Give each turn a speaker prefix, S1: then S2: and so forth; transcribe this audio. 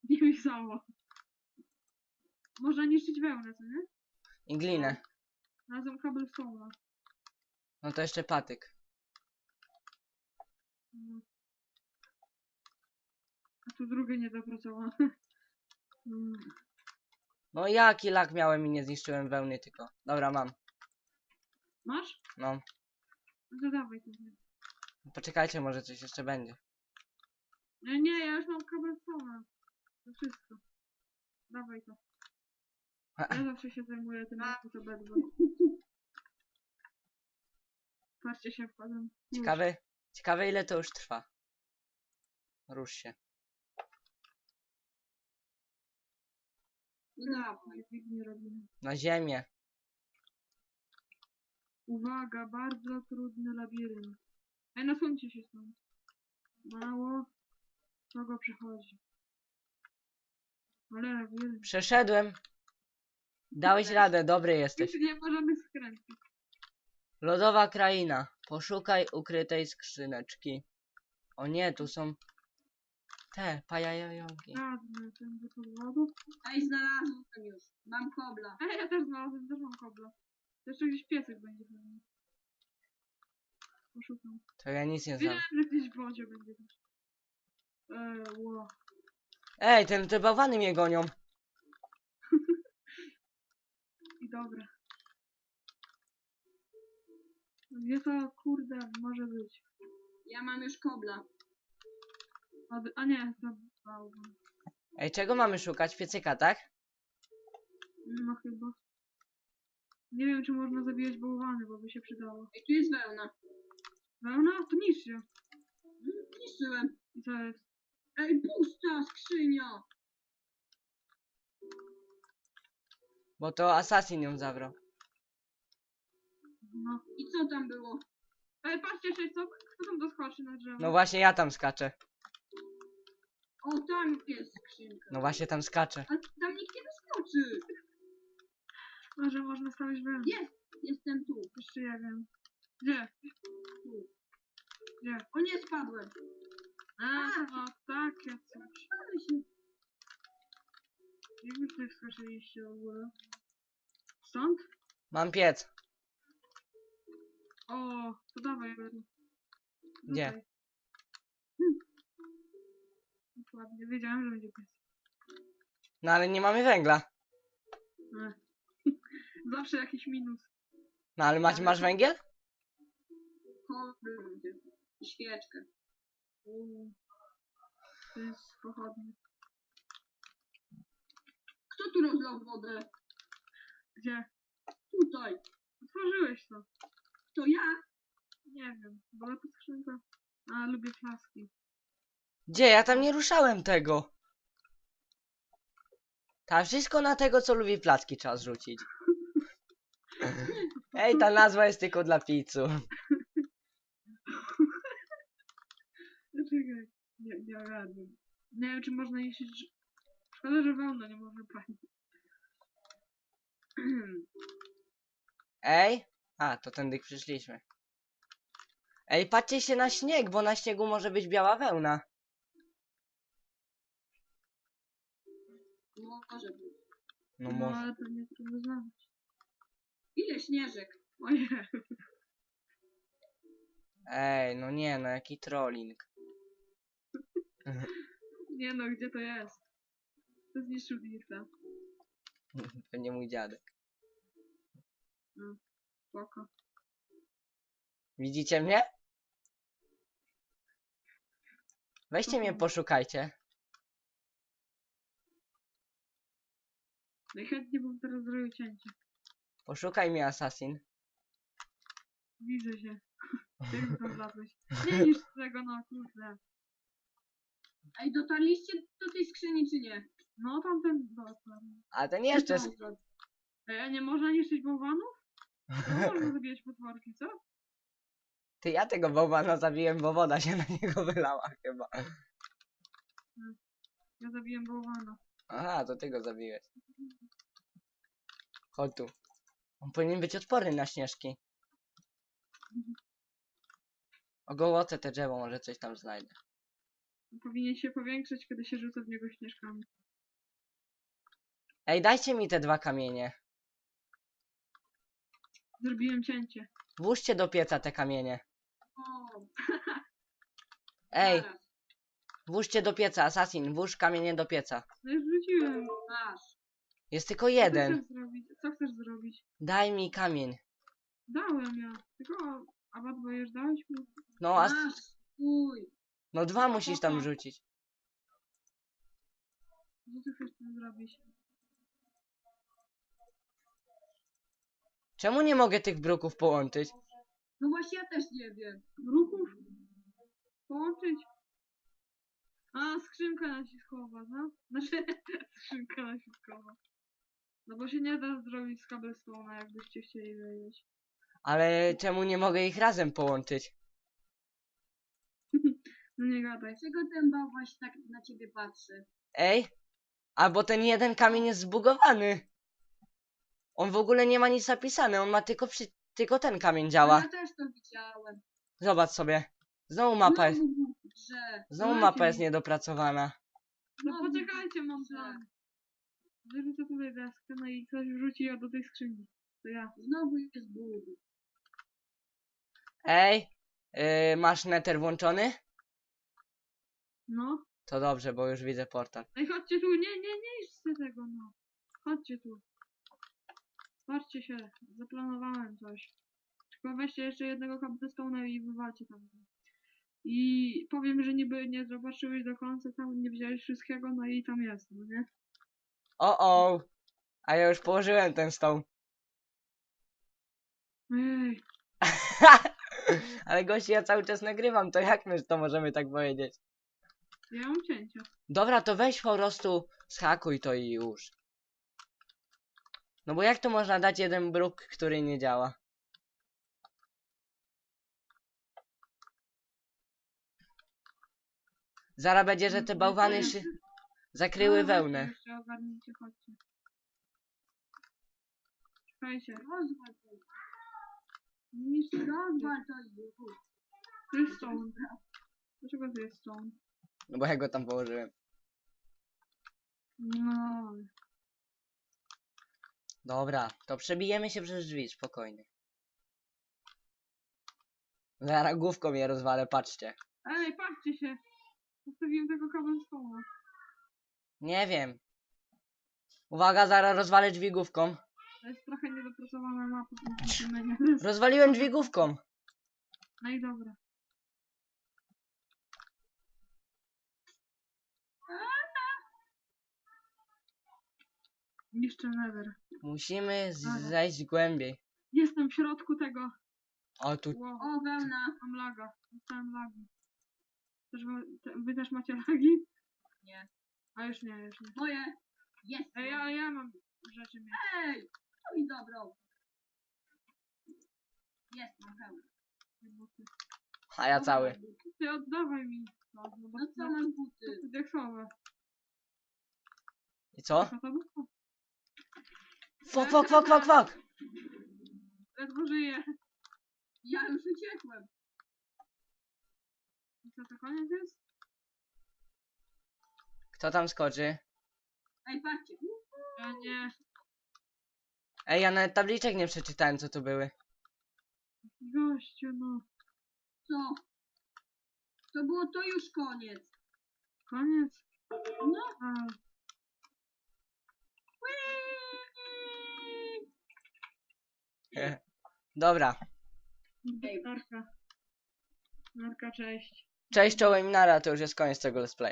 S1: Niech mi samo. Można niszczyć wełnę, co nie?
S2: I glinę.
S1: Razem cobblestone'a.
S2: No to jeszcze patyk.
S1: No. A tu drugie niedopracowane. Mm.
S2: No jaki lak miałem i nie zniszczyłem wełny tylko. Dobra, mam.
S1: Masz?
S2: No.
S1: No to dawaj to.
S2: Poczekajcie, może coś jeszcze będzie.
S1: Nie, ja już mam cobblestone'a. To wszystko. Dawaj to. Ja zawsze się zajmuję tym, jak to bedwa. Patrzcie się wkładam.
S2: Ciekawe ile to już trwa. Rusz się.
S1: No dawaj. Nie robimy.
S2: Na ziemię.
S1: Uwaga, bardzo trudny labirynt. Ej, nasuńcie się stąd. Mało. Kogo przychodzi? Ale labirynt.
S2: Przeszedłem. Dałeś radę, dobry jesteś.
S1: Już nie ma żadnych skrętów.
S2: Lodowa kraina. Poszukaj ukrytej skrzyneczki. O nie, tu są te pajajogi.
S1: Radny, ten do podwodu.
S3: Ej, znalazłem już. Mam kobla.
S1: Ej, ja też znalazłem, też mam kobla. To jeszcze gdzieś piesek będzie pewnie. Poszukam.
S2: To ja nic nie znam.
S1: Wiedziałem, że gdzieś w wodzie będzie też. Wow.
S2: Ej, te bałwany mnie gonią.
S1: I dobra. Gdzie to, kurde, może być?
S3: Ja mam już kobla.
S1: A nie, to bałwan.
S2: Ej, czego mamy szukać? Piecyka, tak?
S1: No chyba. Nie wiem, czy można zabijać bałwany, bo by się przydało.
S3: Ej, tu jest wełna.
S1: Wełna? To niszcz się.
S3: Niszczyłem.
S1: I co jest?
S3: Ej, pusta skrzynia.
S2: Bo to Assassin ją zabrał.
S1: No.
S3: I co tam było?
S1: Ej, patrzcie się, kto tam doskoczy na drzewo?
S2: No właśnie ja tam skaczę.
S3: O, tam jest skrzynka.
S2: No właśnie tam skaczę.
S3: Ale tam nikt nie doskoczy.
S1: Może można stawić wełnę.
S3: Jestem tu.
S1: Jeszcze ja wiem. Gdzie?
S3: Tu.
S1: Gdzie?
S3: O nie, spadłem.
S1: O, takie coś.
S3: Ale się...
S1: Jak wy tutaj wskoczyliście w ogóle? Stąd?
S2: Mam piec.
S1: O, to dawaj, Beru.
S2: Gdzie?
S1: Tutaj. Dokładnie, wiedziałem, że będzie pies.
S2: No ale nie mamy węgla.
S1: E. Zawsze jakiś minus.
S2: No ale masz węgiel?
S3: Kobla będzie. I świeczkę.
S1: To jest pochodnie.
S3: Kto tu rozlał wodę?
S1: Gdzie?
S3: Tutaj.
S1: Otworzyłeś to.
S3: To ja.
S1: Nie wiem, była to skrzynka. A, lubię flaski.
S2: Gdzie? Ja tam nie ruszałem tego. Tam wszystko na tego, co lubi placki, trzeba zrzucić. Ej, ta nazwa jest tylko dla pizzów.
S1: Czekaj. Nie ogarnę. Nie wiem, czy można jeździć. Szkoda, że wełna nie można palić.
S2: Ej? A, to tędy przyszliśmy. Ej, patrzcie się na śnieg, bo na śniegu może być biała wełna.
S3: Może być.
S2: No
S1: No,
S2: może.
S1: ale pewnie trudno znaleźć.
S3: Ile śnieżek?
S1: Ojej.
S2: Ej, no nie, no jaki trolling.
S1: Nie no, gdzie to jest? To zniszczył Dirta.
S2: Pewnie mój dziadek.
S1: Spoko.
S2: Widzicie mnie? Weźcie mnie, poszukajcie.
S1: Najchętniej bym teraz zrobił cięcie.
S2: Poszukaj mnie, Assassin.
S1: Widzę się. Jak tam wlazłeś. Nie niż tego, no kurde.
S3: Ej, dotarliście do tej skrzyni czy nie?
S1: No tamten dokładnie.
S2: A ten jeszcze...
S1: Ej, a nie można niszczyć bałwanów? No można zabijać potworki, co?
S2: Ty, ja tego bałwana zabiłem, bo woda się na niego wylała chyba.
S1: Ja zabiłem bałwana.
S2: Aha, to ty go zabiłeś. Chodź tu. On powinien być odporny na śnieżki. Ogołocę te drzewo, może coś tam znajdę.
S1: Powinien się powiększyć, kiedy się rzuca w niego śnieżkami.
S2: Ej, dajcie mi te 2 kamienie.
S1: Zrobiłem cięcie.
S2: Włóżcie do pieca te kamienie.
S3: O,
S2: Ej,
S3: zaraz.
S2: włóżcie do pieca, Assassin, włóż kamienie do pieca.
S1: No już wrzuciłem.
S3: Masz.
S2: Jest tylko
S1: Co ty
S2: jeden.
S1: chcesz zrobić? Co chcesz zrobić?
S2: Daj mi kamień.
S1: Dałem ja. Tylko Abadbo już dałeś mi?
S2: No,
S3: Masz. Uj.
S2: no 2 musisz tam rzucić.
S1: Co ty chcesz tam zrobić?
S2: Czemu nie mogę tych bruków połączyć?
S3: No właśnie ja też nie wiem.
S1: Ruchów? Połączyć? A, skrzynka naciskowa, no? Znaczy, skrzynka naciskowa. No bo się nie da zrobić z cobblestone'a, jakbyście chcieli wiedzieć.
S2: Ale czemu nie mogę ich razem połączyć?
S1: No nie gadaj.
S3: Dlaczego ten bałwaś tak na ciebie patrzy?
S2: Ej, albo ten jeden kamień jest zbugowany. On w ogóle nie ma nic napisane, on ma tylko ten kamień
S3: No
S2: działa.
S3: ja też to widziałem.
S2: Zobacz sobie. Znowu mapa jest,
S3: Że.
S2: znowu
S1: Dajcie
S2: mapa
S1: mi.
S2: jest niedopracowana.
S1: No
S3: Znowu
S1: poczekajcie, mam
S3: że-
S1: plan. Wyrzucę tutaj deskę, no i ktoś wrzuci ją do tej skrzyni. To ja.
S3: Znowu jest Bóg.
S2: Ej, masz nether włączony?
S1: No.
S2: To dobrze, bo już widzę portal.
S1: Ej, chodźcie tu, nie idźcie tego, no. Chodźcie tu. Patrzcie się, zaplanowałem coś. Tylko weźcie jeszcze jednego cobblestone'a i wywalcie tam. I powiem, że niby nie zobaczyłeś do końca, tam nie widziałeś wszystkiego, no i tam jest, no nie?
S2: O, a ja już położyłem ten stoł.
S1: Ej,
S2: Ale gości, ja cały czas nagrywam, to jak my to możemy tak powiedzieć?
S1: ja mam cięcia.
S2: Dobra, to weź po prostu schakuj to i już. No bo jak to można dać jeden bruk, który nie działa? Zaraz będzie, że te bałwany się zakryły
S1: No,
S2: wełnę.
S1: weźcie jeszcze ogarnijcie, chodźcie. Czekajcie.
S3: Rozwal to.
S1: Nic
S3: Rozwal to już.
S1: Tu jest stone. Dlaczego tu jest stone?
S2: No bo ja go tam położyłem.
S1: No.
S2: Dobra, to przebijemy się przez drzwi, spokojnie. Zaraz główką je rozwalę, patrzcie.
S1: Ej, patrzcie się! Zostawiłem tego cobblestone'a.
S2: Nie wiem. Uwaga, zaraz rozwalę drzwi główką.
S1: To jest trochę niedopracowana mapa w tym menu.
S2: Rozwaliłem drzwi główką.
S1: No i dobra. Niszczę nether.
S2: Musimy
S1: Dobra.
S2: zejść głębiej.
S1: Jestem w środku tego.
S2: O, tu.
S1: Wow,
S3: O, wełna.
S1: mam laga. Dostałem lagi. Wy też macie lagi?
S3: Nie.
S1: A już nie, już nie.
S3: Moje. Jest.
S1: Ej, ale ja mam rzeczy mieć.
S3: Ej. To mi dobrą. Jest, mam hełm.
S2: A ja cały.
S1: Ty oddawaj mi. No, bo
S3: No co masz buty?
S1: to deksowe.
S2: I co?
S1: Co to było?
S2: Fuck.
S1: Ledwo żyję.
S3: Ja już uciekłem.
S1: I co, to koniec jest?
S2: Kto tam skoczy?
S3: Ej, patrzcie.
S1: Ja nie.
S2: Ej, ja nawet tabliczek nie przeczytałem, co tu były.
S1: Gościu, no.
S3: Co? To było to już koniec.
S1: Koniec?
S3: No.
S1: A,
S2: Dobra.
S1: narka. Narka, cześć.
S2: Cześć, czołem i nara, to już jest koniec tego let's play.